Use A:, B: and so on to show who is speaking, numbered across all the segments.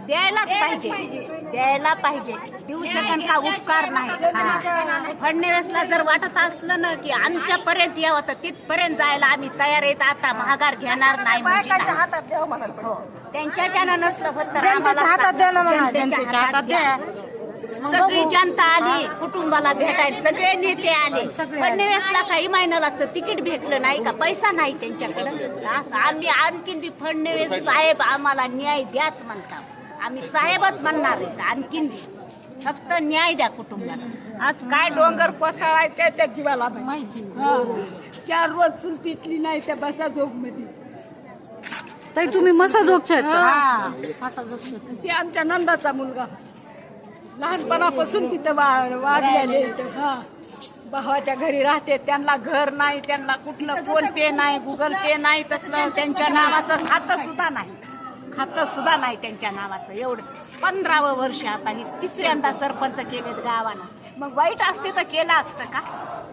A: द्यायलाच पाहिजे, द्यायला पाहिजे. देऊ शकन का उपकार नाही. फडणवीसला जर वाटत असलं ना की आमच्यापर्यंत यावं तर तिथपर्यंत जायला आम्ही तयार आहेत. आता महागार घेणार नाही म्हणजे त्यांच्याच्यानं नसलं होत तर
B: जनतेच्या हातात द्या ना म्हणा, जनतेच्या हातात द्या.
A: सगळी जनता आली कुटुंबाला भेटायला, सगळे नेते आले. फडणवीसला काही महिन्यालाच तिकीट भेटलं नाही का, पैसा नाही त्यांच्याकडं. आम्ही आणखीन बी फडणवीस साहेब आम्हाला न्याय द्याच म्हणतात. आम्ही साहेबच म्हणणार आहेत. आणखीन बी फक्त न्याय द्या कुटुंबाला. आज काय डोंगर कोसळाय त्याच्या जीवाला माहिती. 4 रोज चूल पिटली नाही त्या बसा झोप मध्ये.
B: ताई तुम्ही मसाजोगच्या
A: ते आमच्या नंदाचा मुलगा लहानपणापासून तिथं वाढलेले. भावाच्या घरी राहते. त्यांना घर नाही, त्यांना कुठलं फोन पे नाही, गुगल पे नाही, तसलं त्यांच्या नावाचं खातं सुद्धा नाही. खातं सुद्धा नाही त्यांच्या नावाचं. एवढं 15वं वर्ष आता ही 3ऱ्यांदा सरपंच केलेत गावानं. मग वाईट असते तर केलं असतं का?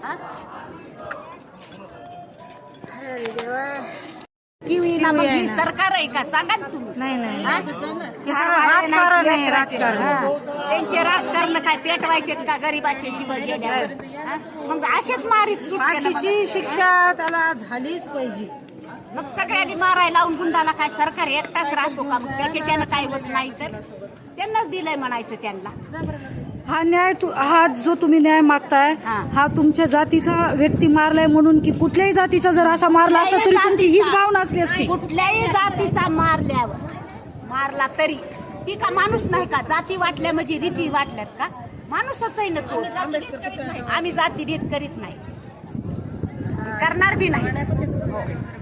A: किंवा मग ही सरकार आहे का सांगा ना तुम्ही.
B: नाही राजकारण आहे, राजकारण.
A: त्यांचे राजकारण काय पेटवायचे का गरीबाचे जीव गेल्यावर? मग असेच मारीत
B: फाशीची शिक्षा त्याला झालीच पाहिजे.
A: मग सगळ्यांनी मारायला लावून गुंडाला काय सरकार एकटाच राहतो का? मग त्याच्यानं काय होत नाही तर त्यांनाच दिलंय म्हणायचं त्यांना.
B: हा न्याय हा जो तुम्ही न्याय मागताय हा तुमच्या जातीचा व्यक्ती मारलाय म्हणून की कुठल्याही जातीचा जर असा मारला असता तरी तुमची हीच भावना असली असती.
A: कुठल्याही जातीचा मारला तरी ती का माणूस नाही का? जाती वाटल्या म्हणजे रीती वाटल्यात का? माणूसच आहे ना तो. आम्ही जाती भेद करीत नाही, करणार बी नाही.